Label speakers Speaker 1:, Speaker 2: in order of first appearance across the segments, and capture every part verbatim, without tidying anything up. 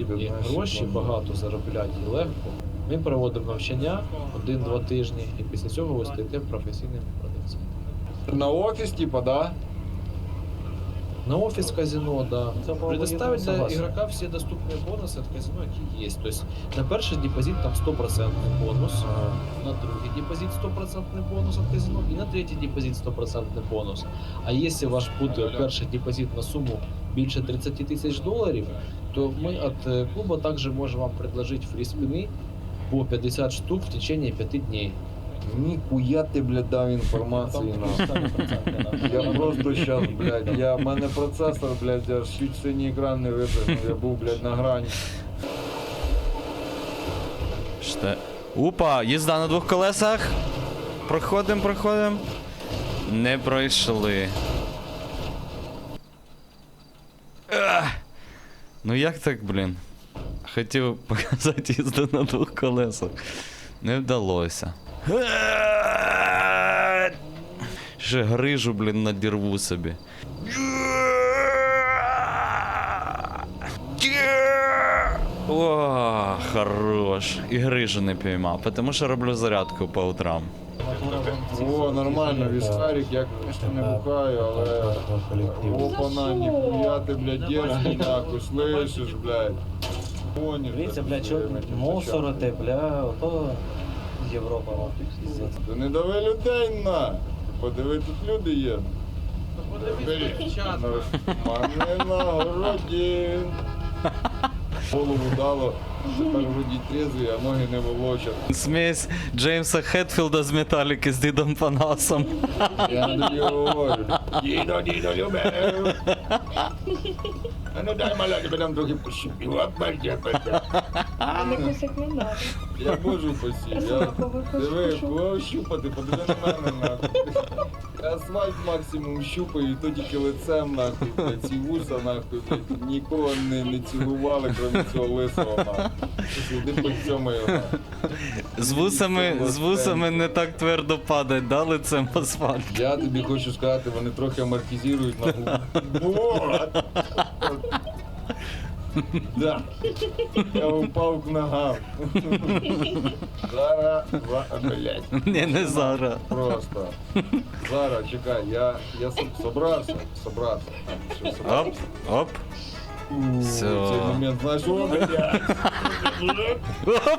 Speaker 1: потрібні гроші, багато заробляти і легко. Ми проводимо навчання один-два тижні, і після цього ви стаєте професійними продавцями.
Speaker 2: На офис, типа, да?
Speaker 1: На офис казино, да. Предоставить для
Speaker 3: согласен.
Speaker 1: игрока все доступные бонусы от казино, які есть. То есть на перший депозит там сто процентов бонус, на другий депозит сто процентов бонус от казино і на третій депозит сто процентов бонус. А якщо ваш буде перший депозит на суму більше тридцять тисяч доларів, то ми від клубу також можемо вам предложити фрі-спини по п'ятдесят штук в течение п'яти днів.
Speaker 2: Ніхуя ти, блядь, дав інформації на. Я просто щас, блядь, я, в мене процесор, блядь, аж чуть синій екран не випрыгнув, я був, блядь, на грані.
Speaker 4: Ште... Опа, їзда на двох колесах. Проходим, проходим. Не пройшли. Ах! Ну як так, блін? Хотів показати їзду на двох колесах. Не вдалося. Ще грижу, блін, надірву собі. О, хорош. І грижу не піймав, тому що роблю зарядку по утрам.
Speaker 2: О, нормально, віскарик, я, конечно, не бухаю, але... Опана, ніхуя ти, блядь, дерзкий, нахуй, слышиш, блядь.
Speaker 3: Дивіться, бля, чого мусорити, бля, ото Європа, вам пиздець.
Speaker 2: Та не дави людей на! Подиви, тут люди є. Мене на городі. Голову дало, тепер вроді трезвий, а ноги не волочать.
Speaker 4: Смесь Джеймса Хетфілда з Металіки з Дідом Панасом.
Speaker 2: Я не тобі говорю. Дідо, дідо, любив. А ну дай маляки, бо там трохи пощупів.
Speaker 5: А не кусик не надо.
Speaker 2: Я можу посів. Я... Диви, кого щупати, подиви на мене, нахуй. Я асфальт максимум щупаю, і то тільки лицем, нахуй, блядь, ці вуса, нахуй, блядь, нікого не, не цілували, крім цього лисого, нахуй. Іди по цьому його.
Speaker 4: З вусами, з вусами не так твердо падать, да, лицем в асфальт.
Speaker 2: Я тобі хочу сказати, вони трохи амортизують на губу. Вот! Да. Я упав к ногам. Зараз, за- блядь.
Speaker 4: Ні, не зараз.
Speaker 2: Просто. Зараз, чекай, я, я соб- собрався, собрався. Що,
Speaker 4: Оп,
Speaker 2: собрався?
Speaker 4: оп.
Speaker 2: У,
Speaker 4: Всё.
Speaker 2: в цей момент, знаєш, о, блядь.
Speaker 4: Оп.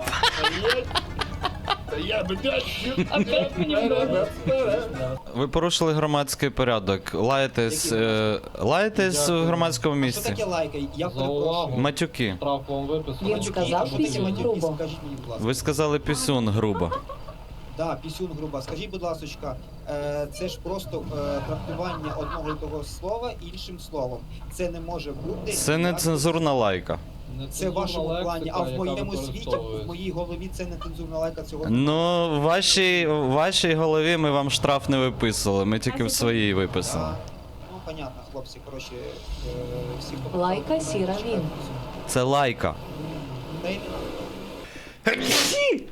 Speaker 2: Та я, блядь,
Speaker 5: Опять мені вдалося.
Speaker 4: Ви порушили громадський порядок. Лаєтесь, е, лаєтесь в громадському
Speaker 6: Що
Speaker 4: місці.
Speaker 6: таке лайка? Я перепрошую.
Speaker 4: Матюки.
Speaker 1: Штраф вам виписано.
Speaker 5: Він сказав,
Speaker 6: Що таке
Speaker 5: пісюн
Speaker 6: матюки?
Speaker 5: грубо.
Speaker 6: Скажіть мені, будь ласка.
Speaker 4: Ви сказали пісюн грубо.
Speaker 6: Да, пісюн груба. Скажіть, будь ласка, е, це ж просто е, трактування одного і того слова іншим словом. Це не може бути.
Speaker 4: Це не
Speaker 6: ніяк-
Speaker 4: цензурна лайка.
Speaker 6: Це в вашому плані, а в моєму світі, в моїй голові це не цензурна лайка цього.
Speaker 4: Ну, в вашій, в вашій голові ми вам штраф не виписували, ми тільки в своїй виписали.
Speaker 6: А, ну, понятно, хлопці, коротше, е, всі хто-
Speaker 5: Лайка, сіра, він.
Speaker 4: Це лайка.
Speaker 6: Та й не-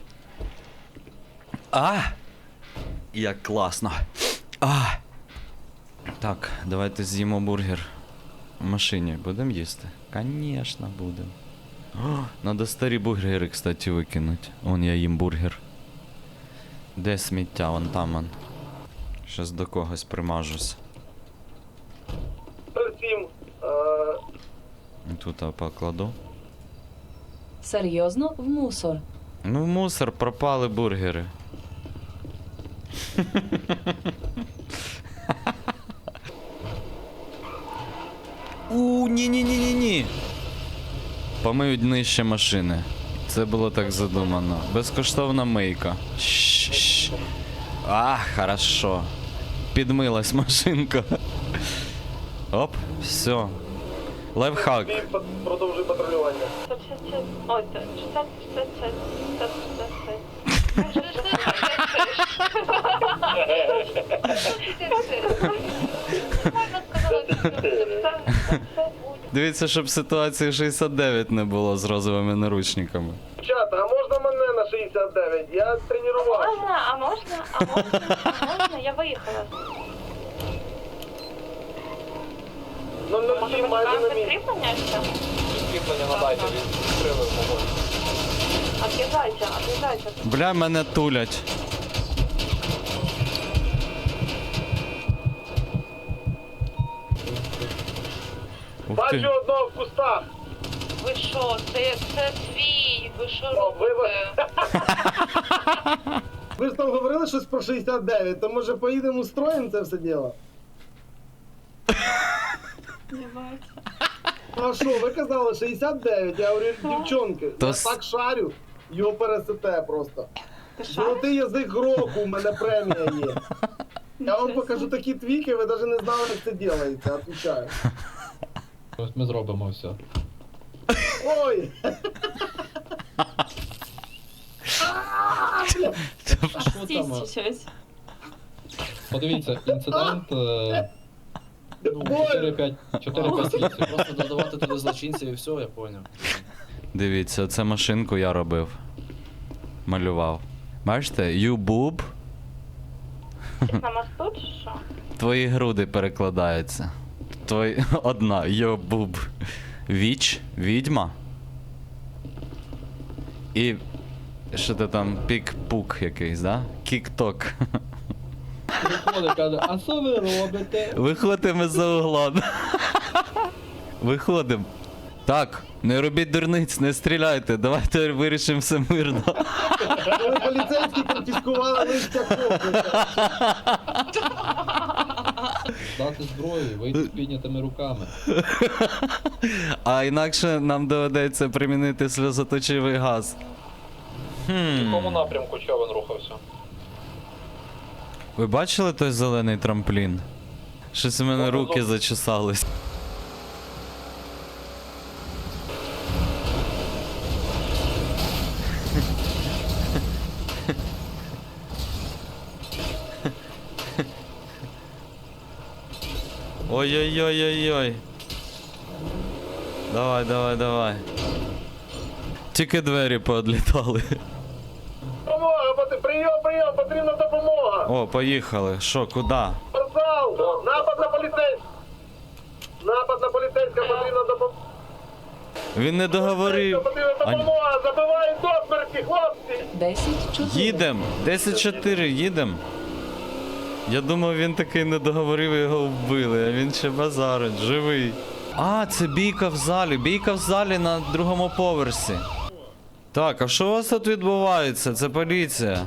Speaker 4: А! Як класно. А! Так, давайте з'їмо бургер. В машині будемо їсти? Конечно, будемо. О, надо старі бургери, кстати, викинути. Вон я їм бургер. Де сміття? Вон там он. Щас до когось примажусь. Тут я покладу.
Speaker 5: Серйозно? В мусор.
Speaker 4: Ну в мусор пропали бургери. У, ні-ні-ні-ні-ні. Помиють нижче машини. Це було так задумано. Безкоштовна мийка. Щ-щ. А, хорошо. Підмилась машинка. Оп, все. Лайфхак.
Speaker 2: Продовжуй патрулювання.
Speaker 5: Ой, шістдесят, шістдесят, шістдесят,
Speaker 4: Дивіться, щоб ситуації шістдесят дев'ять не було з розовими наручниками.
Speaker 2: Дівчата, а можна мене на шістдесят дев'ять? Я тренувався.
Speaker 5: Можна, а можна, а можна, а можна, я виїхала.
Speaker 2: Ну,
Speaker 5: Може, мені вам підкріплення ще? Кріплення надайте, відкрили вогонь. От'їжджайте, от'їжджайте.
Speaker 4: Бля, мене тулять. Ух ти.
Speaker 7: одного в кустах.
Speaker 5: Ви що, це, це свій, ви що робите?
Speaker 7: Ви ж там говорили щось про шістдесят дев'ять, то може поїдемо устроїмо це все діло? Ну а що, ви казали шістдесят дев'ять, я говорю, дівчонки,
Speaker 4: То
Speaker 7: я
Speaker 4: с-
Speaker 7: так шарю, його пересете просто. Золотий язик року, у мене премія є. Я вам покажу такі твіки, ви навіть не знали, як це ділається, отвечаю.
Speaker 1: Ось ми зробимо все.
Speaker 7: Ой!
Speaker 1: А що там? а?
Speaker 8: щось.
Speaker 1: Подивіться, інцидент е, ну,
Speaker 7: Ой!
Speaker 1: чотири-п'ять місяців. Просто додавати туди злочинців і все, я поняв.
Speaker 4: Дивіться, це машинку я робив. Малював. Бачите, юбуб,
Speaker 5: На мосту чи що?
Speaker 4: твої груди перекладаються. Твої... Одна, юбуб. Віч, відьма. І. Що ти там, пік-пук якийсь, да? Кік-ток.
Speaker 1: Приходить, каже, а що ви робите?
Speaker 4: Виходимо за угла. Виходимо. Так, не робіть дурниць, не стріляйте, давайте вирішимо все мирно.
Speaker 7: Коли поліцейські конфіскували листя копника.
Speaker 1: Дати зброю, вийти з піднятими руками.
Speaker 4: А інакше нам доведеться примінити сльозоточивий газ.
Speaker 1: В якому
Speaker 4: Хм.
Speaker 1: напрямку човен рухався?
Speaker 4: Ви бачили той зелений трамплін? Щось у мене руки зачесались. Ой-ой-ой-ой-ой. Давай, давай, давай. Тільки двері поодлітали.
Speaker 7: Допомога, пот- прийом, прийом, потрібна допомога.
Speaker 4: О, поїхали. Що, куди?
Speaker 7: Спортзал, напад на поліцейського. Напад на поліцейського, потрібна допомога.
Speaker 4: Він не договорив.
Speaker 7: Потрібна
Speaker 4: А,
Speaker 7: допомога, забивають до смерті, хлопці.
Speaker 8: десять чотири.
Speaker 4: їдем! десять чотири, їдем. Я думав, він такий не договорив і його вбили, а він ще базарить, живий. А, це бійка в залі. Бійка в залі на другому поверсі. Так, а що у вас тут відбувається? Це поліція.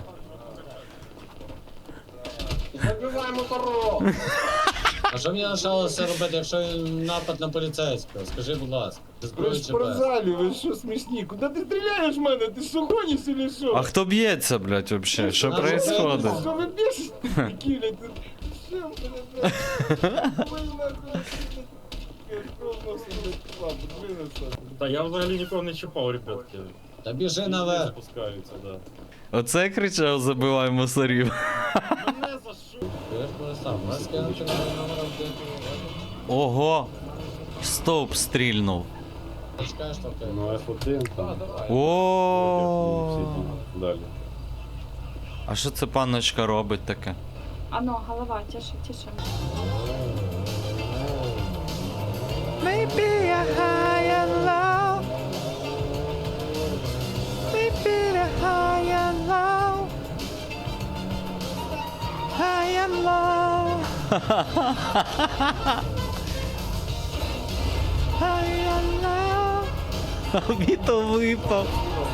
Speaker 7: Забиваємо дорогу.
Speaker 9: А що мені лишалося робити, якщо напад на поліцейського? Скажи, будь ласка. Ти
Speaker 2: Ви
Speaker 9: зброю
Speaker 2: ж в
Speaker 9: чи без?
Speaker 2: спортзалі, ви що смішні? Куди ти стріляєш в мене? Ти що гониш чи що?
Speaker 4: А хто б'ється, блядь, вообще? Що
Speaker 9: А,
Speaker 4: происходит?
Speaker 2: Що ви б'єшся? Такі, блядь, ти- що мене, блядь? Ви нахуй, я кров носом, блядь, ладно, винесу.
Speaker 10: Та я взагалі нікого не чіпав, ребятки.
Speaker 9: Та біжи наверх.
Speaker 10: Запускаються, да.
Speaker 4: Оце кричав, забивай мусорів.
Speaker 10: Мене за що?
Speaker 9: Ти ж перестав. Вас кинути на номером де
Speaker 4: Ого! Стовп стрільнув.
Speaker 9: ти чекаєш там ти.
Speaker 10: Ну, еф один там.
Speaker 4: О.
Speaker 10: Далі.
Speaker 4: А що це панночка робить таке?
Speaker 8: Ано, голова, тише, тише.
Speaker 4: Maybe a higher low. Maybe a higher low. Higher low. Higher low. Віто випав.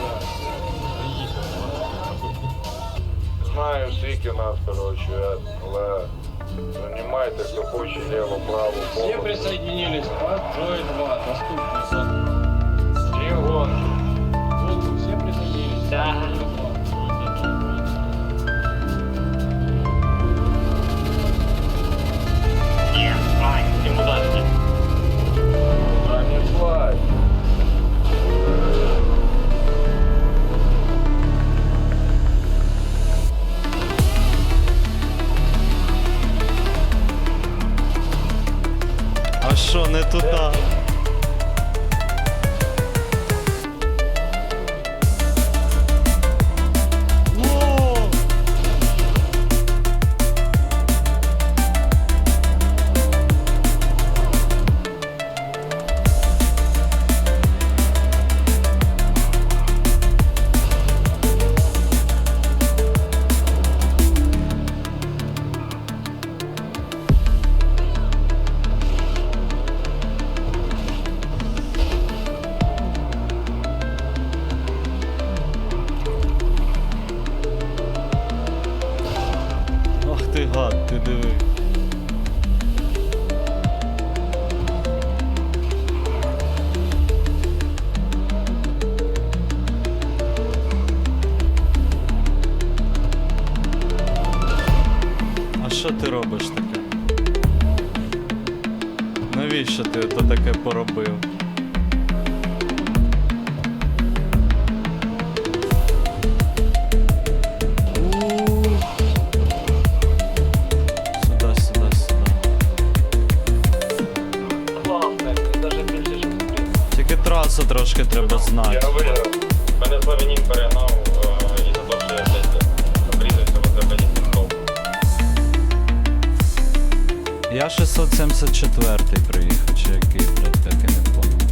Speaker 7: Знаю, скільки нас, коротше, але займайте, хто хоче, ліво, право,
Speaker 9: Всі
Speaker 7: повно.
Speaker 9: присоединились. Джой два. Доступні зони.
Speaker 7: Всі гонки.
Speaker 9: Всі присоединились.
Speaker 5: Да.
Speaker 7: А не плачь.
Speaker 4: А що, не туди? брат, ти диви. А що ти робиш таке? Навіщо ти то таке поробив? Сюда, сюда, сюда.
Speaker 3: Класне, навіть більше, ніж стріл.
Speaker 4: Тільки трасу трошки треба знати.
Speaker 10: виграв. Мене Славянін перегнав е, і за те, що я блядь, обрізався в Азербайджані пішов.
Speaker 4: Я шістсот сімдесят четвертий приїхав, чи який, блядь, так і не понял.